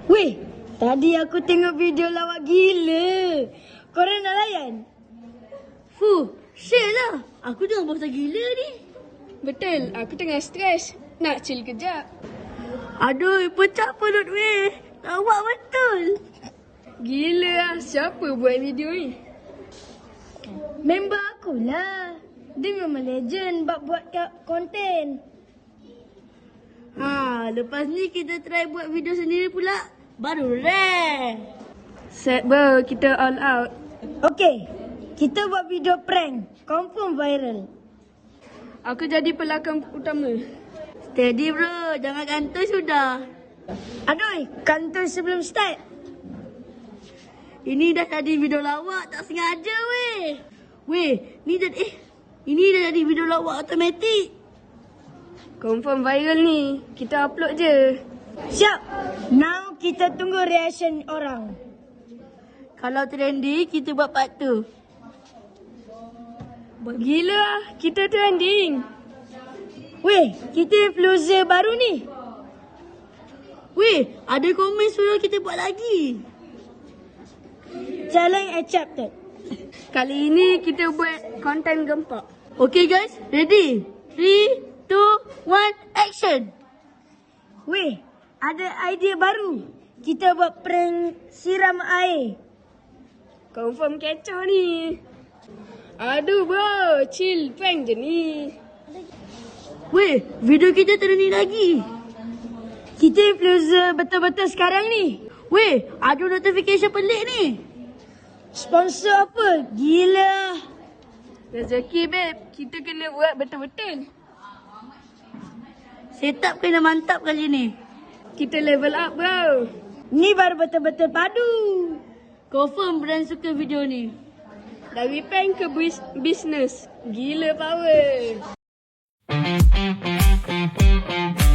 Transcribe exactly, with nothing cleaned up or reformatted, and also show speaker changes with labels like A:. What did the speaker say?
A: Weh, tadi aku tengok video lawak gila. Korang nak layan?
B: Fuh, share lah. Aku tengah bosan gila ni.
C: Betul, aku tengah stres. Nak chill kejap.
B: Aduh, pecah perut weh. Lawak betul.
C: Gila lah, siapa buat video ni?
A: Member akulah. Dia memang legend bab buat konten.
B: Ha, lepas ni kita try buat video sendiri pula. Baru rare.
C: Set bro, kita all out.
A: Okey, kita buat video prank. Confirm viral.
C: Aku jadi pelakon utama.
B: Steady bro, jangan gantung sudah.
A: Aduh, kantor sebelum start.
B: Ini dah jadi video lawak, tak sengaja weh. Weh, ni dah eh ini dah jadi video lawak automatik.
C: Confirm viral ni. Kita upload je.
A: Siap. Now kita tunggu reaction orang.
B: Kalau trendy, kita buat part tu.
C: Gila lah, kita trending.
A: Weh, kita influencer baru ni.
B: Weh, ada komen suruh kita buat lagi.
A: Challenge accepted.
C: Kali ini kita buat konten gempak.
B: Okay guys, ready? three, two, one, action!
A: Weh, ada idea baru. Kita buat prank siram air.
C: Confirm kecoh ni. Aduh bro, chill prank je ni.
B: Weh, video kita trending lagi.
A: Kita influencer betul-betul sekarang ni.
B: Weh, ada notification pelik ni.
A: Sponsor apa? Gila.
C: Rezeki babe, kita kena buat betul-betul.
B: Setup kena mantap kali ni.
C: Kita level up bro.
A: Ni baru betul-betul padu.
B: Confirm brand suka video ni.
C: Dari prank ke bis- bisnes. Gila power.